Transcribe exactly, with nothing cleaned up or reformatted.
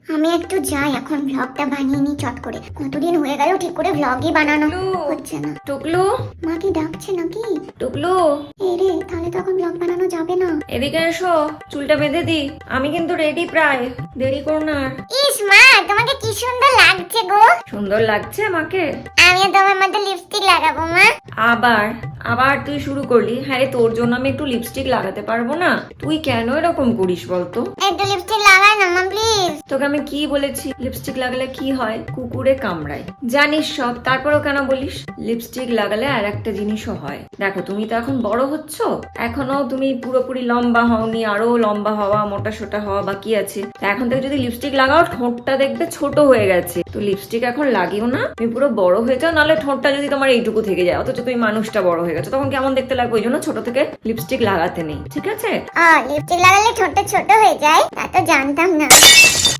আমি একটু যাই এখন, ব্লগটা বানিয়ে নি চট করে। কতদিন হয়ে গেল ঠিক করে ব্লগই বানানো হচ্ছে না। টুকলু, মা কি ডাকছে নাকি? টুকলু এই রে, তাহলে তো এখন ব্লগ বানানো যাবে না। এদিকে এসো, চুলটা বেঁধে দি। আমি কিন্তু রেডি প্রায়, দেরি করো না আর। ইস মা, তোমাকে কি সুন্দর লাগছে গো। সুন্দর লাগছে আমাকে? আমিও তোমার মতো লিপস্টিক লাগাবো মা। আবার আবার তুই শুরু করলি? হ্যাঁ রে, তোর জন্য আমি একটু লিপস্টিক লাগাতে পারবো না? তুই কেন এরকম করিস বলতো? একটু লিপস্টিক লাগাই না মা প্লিজ। তোকে আমি কি বলেছি লিপস্টিক লাগালে কি হয়? কুকুরে কামড়ায়, জানিস সব, তারপরেও কেন বলিস? লিপস্টিক লাগালে আর একটা জিনিসও হয়। দেখো, তুমি তো এখন বড় হচ্ছ, এখনো তুমি পুরোপুরি লম্বা হওনি, আরো লম্বা হওয়া, মোটা সোটা হওয়া বাকি আছে। তা এখন থেকে যদি লিপস্টিক লাগাও, ঠোঁটটা দেখবে ছোট হয়ে গেছে। তো লিপস্টিক এখন লাগিও না, তুমি পুরো বড় হয়ে যাও, নাহলে ঠোঁটটা যদি তোমার এইটুকু থেকে যায়, অথচ তুমি মানুষটা বড় হয়ে গেছো, তখন কেমন দেখতে লাগবে? ওই জন্য ছোট থেকে লিপস্টিক লাগাতে নেই, ঠিক আছে? আ লিপস্টিক লাগালে ঠোঁটটা ছোট হয়ে যায়, তা তো জানতাম না।